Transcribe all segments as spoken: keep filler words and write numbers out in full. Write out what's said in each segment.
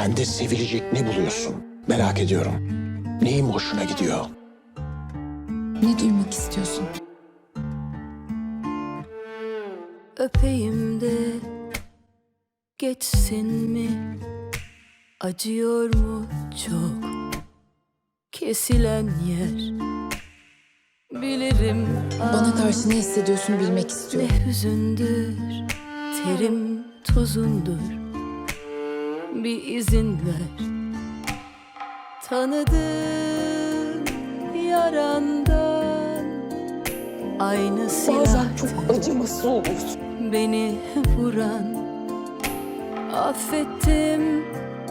Bende sevilecek ne buluyorsun? Merak ediyorum. Neyim hoşuna gidiyor? Ne duymak istiyorsun? Öpeyim de geçsin mi? Acıyor mu çok kesilen yer? Bilirim Bana karşı ne hissediyorsun bilmek istiyorum. ne hüzündür, terim tuzundur. Bir izin ver. Tanıdığım yarandan aynı Bazen çok silahtır acımasız oluyorsun. beni vuran. Affettim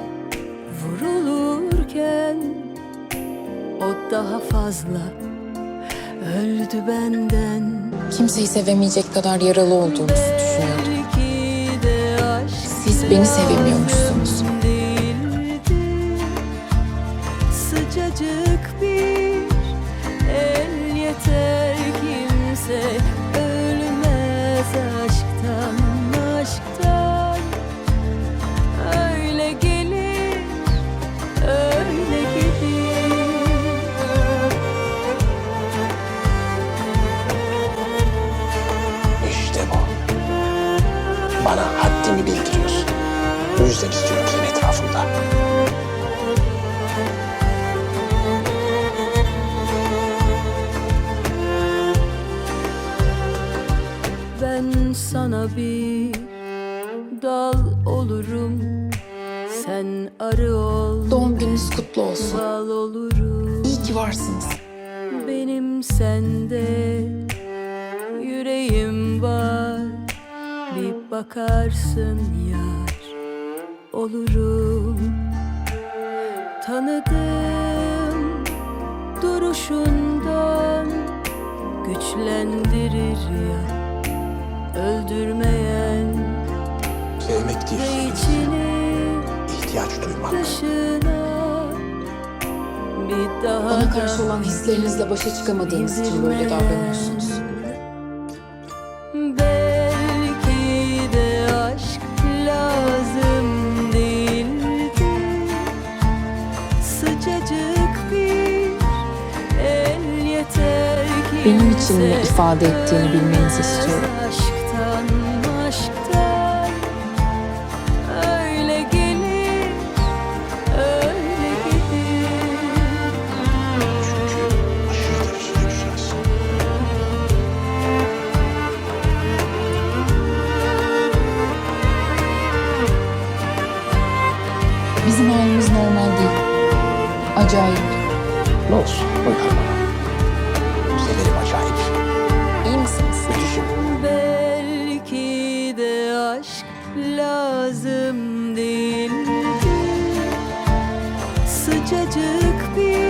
vurulurken, o daha fazla öldü benden. Kimseyi sevemeyecek kadar yaralı olduğunuzu düşünüyordum. Belki de aşk Siz beni sevemiyormuşsunuz. değildi. Sıcacık bir el yeter, kimse ölmez aşktan, aşktan. Öyle gelir, öyle gelir. İşte bu. Bana haddimi bildiriyorsun. Bu yüzden istiyorum seni etrafımda. Ben sana bir dal olurum, sen arı ol, Doğum gününüz kutlu olsun. bal olurum. İyi ki varsınız. Benim sende yüreğim var, bir bakarsın yar olurum. Tanıdım duruşundan, güçlendirir ya öldürmeyen. Sevmek değil, Ve içini ihtiyaç duymak. dışına bir daha Bana da karşı olan hislerinizle başa çıkamadığınız için böyle davranıyorsunuz. Belki de aşk lazım değildi. Sıcacık bir el yeter ki Benim için ne ifade ettiğini bilmenizi istiyorum. Aşktan, aşktan öyle gelir, öyle gelir. Çünkü aşırı derecede güzelsin. Bizim halimiz normal değil. Acayip. Ne olsun? Uyar bana. Severim acayip. İyi misiniz? Müthişim. Belki de aşk lazım değildi. Sıcacık bir